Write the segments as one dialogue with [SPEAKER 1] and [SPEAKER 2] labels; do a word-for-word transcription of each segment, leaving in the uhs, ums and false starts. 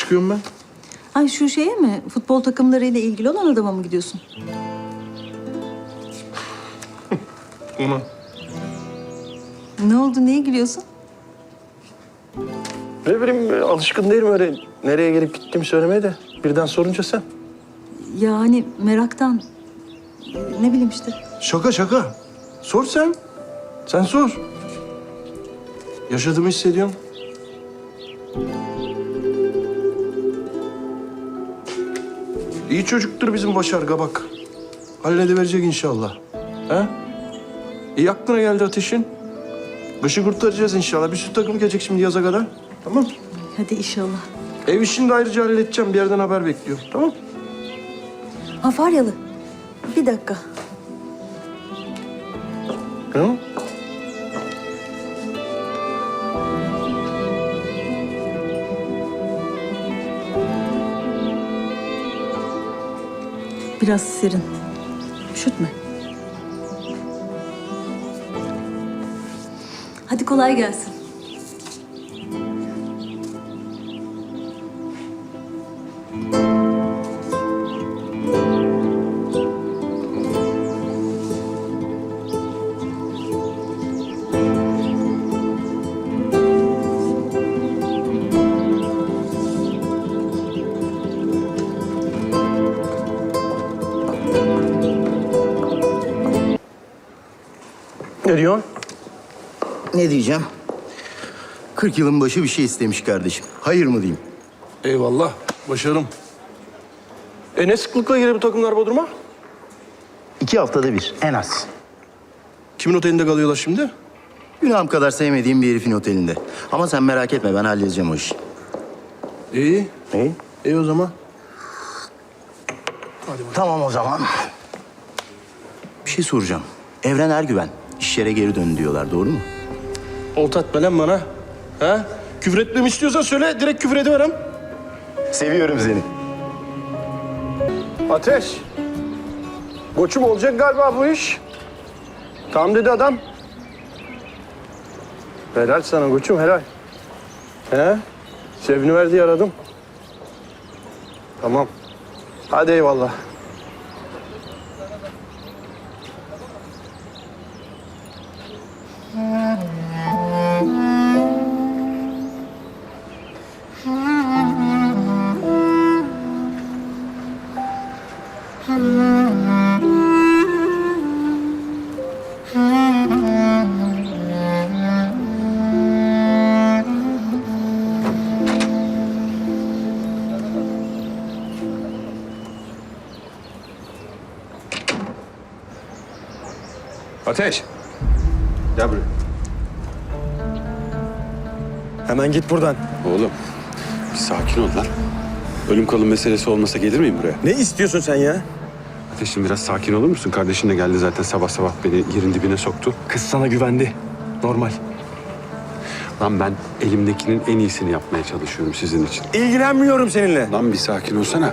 [SPEAKER 1] çıkıyorum ben?
[SPEAKER 2] Ay şu şeye mi? Futbol takımlarıyla ilgili olan adama mı gidiyorsun?
[SPEAKER 1] Ona.
[SPEAKER 2] Ne oldu? Niye gülüyorsun?
[SPEAKER 1] Ne bileyim alışkın değilim öyle nereye gelip gittiğimi söylemeye de birden sorunca sen.
[SPEAKER 2] Yani meraktan. Ne bileyim işte.
[SPEAKER 1] Şaka şaka. Sor sen. Sen sor. Yaşadığımı hissediyorum. İyi çocuktur bizim Başar Kabak. Hallediverecek inşallah. He? İyi aklına geldi Ateş'in. Kışı kurtaracağız inşallah. Bir sürü takım gelecek şimdi yaza kadar. Tamam.
[SPEAKER 2] Hadi inşallah.
[SPEAKER 1] Ev işini de ayrıca halledeceğim. Bir yerden haber bekliyorum. Tamam.
[SPEAKER 2] Ha Faryalı. Bir dakika.
[SPEAKER 1] Hı?
[SPEAKER 2] Biraz serin. Üşütme. Hadi kolay gelsin.
[SPEAKER 1] Ne diyorsun?
[SPEAKER 3] Ne diyeceğim? Kırk yılın başı bir şey istemiş kardeşim. Hayır mı diyeyim?
[SPEAKER 1] Eyvallah. Başarım. E ne sıklıkla gelir bu takımlar Bodrum'a?
[SPEAKER 3] İki haftada bir en az.
[SPEAKER 1] Kimin otelinde kalıyorlar şimdi?
[SPEAKER 3] Günahım kadar sevmediğim bir herifin otelinde. Ama sen merak etme, ben halledeceğim o işi.
[SPEAKER 1] İyi.
[SPEAKER 3] İyi.
[SPEAKER 1] İyi o zaman.
[SPEAKER 3] Tamam o zaman. Bir şey soracağım. Evren Ergüven iş yere geri dön diyorlar, doğru mu?
[SPEAKER 1] Olta atma lan bana. Ha? Küfür etmemi istiyorsan söyle, direkt küfür ediverem.
[SPEAKER 3] Seviyorum seni.
[SPEAKER 1] Ateş. Koçum olacak galiba bu iş. Tamam dedi adam. Helal sana koçum, helal. He? Sevini verdi aradım. Tamam. Hadi eyvallah.
[SPEAKER 4] Ateş. Gel buraya.
[SPEAKER 5] Hemen git buradan.
[SPEAKER 4] Oğlum bir sakin ol lan. Ölüm kalım meselesi olmasa gelir miyim buraya?
[SPEAKER 5] Ne istiyorsun sen ya?
[SPEAKER 4] Ateş'im biraz sakin olur musun? Kardeşin de geldi zaten sabah sabah beni yerin dibine soktu.
[SPEAKER 5] Kız sana güvendi. Normal.
[SPEAKER 4] Lan ben elimdekinin en iyisini yapmaya çalışıyorum sizin için.
[SPEAKER 5] İlgilenmiyorum seninle.
[SPEAKER 4] Lan bir sakin olsana.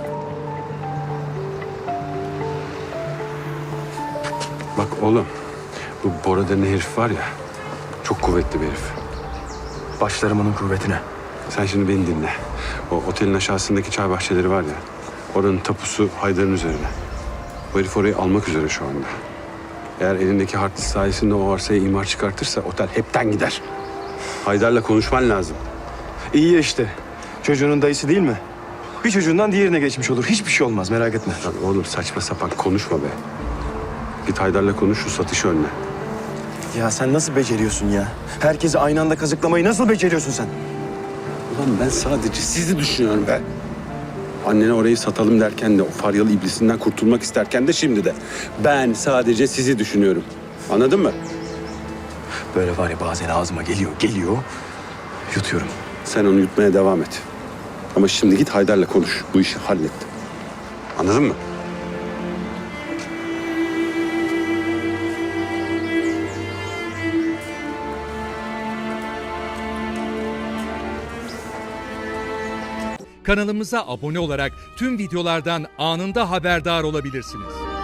[SPEAKER 4] Bak oğlum, bu Bora denen herif var ya, çok kuvvetli bir herif.
[SPEAKER 5] Başlarım onun kuvvetine.
[SPEAKER 4] Sen şimdi beni dinle. O otelin aşağısındaki çay bahçeleri var ya, oranın tapusu Haydar'ın üzerine. Bu herif orayı almak üzere şu anda. Eğer elindeki hard disk sayesinde o arsaya imar çıkartırsa otel hepten gider. Haydar'la konuşman lazım.
[SPEAKER 5] İyi ya işte. Çocuğunun dayısı değil mi? Bir çocuğundan diğerine geçmiş olur. Hiçbir şey olmaz, merak etme.
[SPEAKER 4] Lan oğlum saçma sapan konuşma be. Git Haydar'la konuş, şu satışı önle.
[SPEAKER 5] Ya sen nasıl beceriyorsun ya? Herkesi aynı anda kazıklamayı nasıl beceriyorsun sen?
[SPEAKER 4] Ulan ben sadece sizi düşünüyorum be. Annene orayı satalım derken de, o Faryalı iblisinden kurtulmak isterken de, şimdi de. Ben sadece sizi düşünüyorum. Anladın mı?
[SPEAKER 5] Böyle var ya, bazen ağzıma geliyor, geliyor. Yutuyorum.
[SPEAKER 4] Sen onu yutmaya devam et. Ama şimdi git Haydar'la konuş. Bu işi hallet. Anladın mı?
[SPEAKER 6] Kanalımıza abone olarak tüm videolardan anında haberdar olabilirsiniz.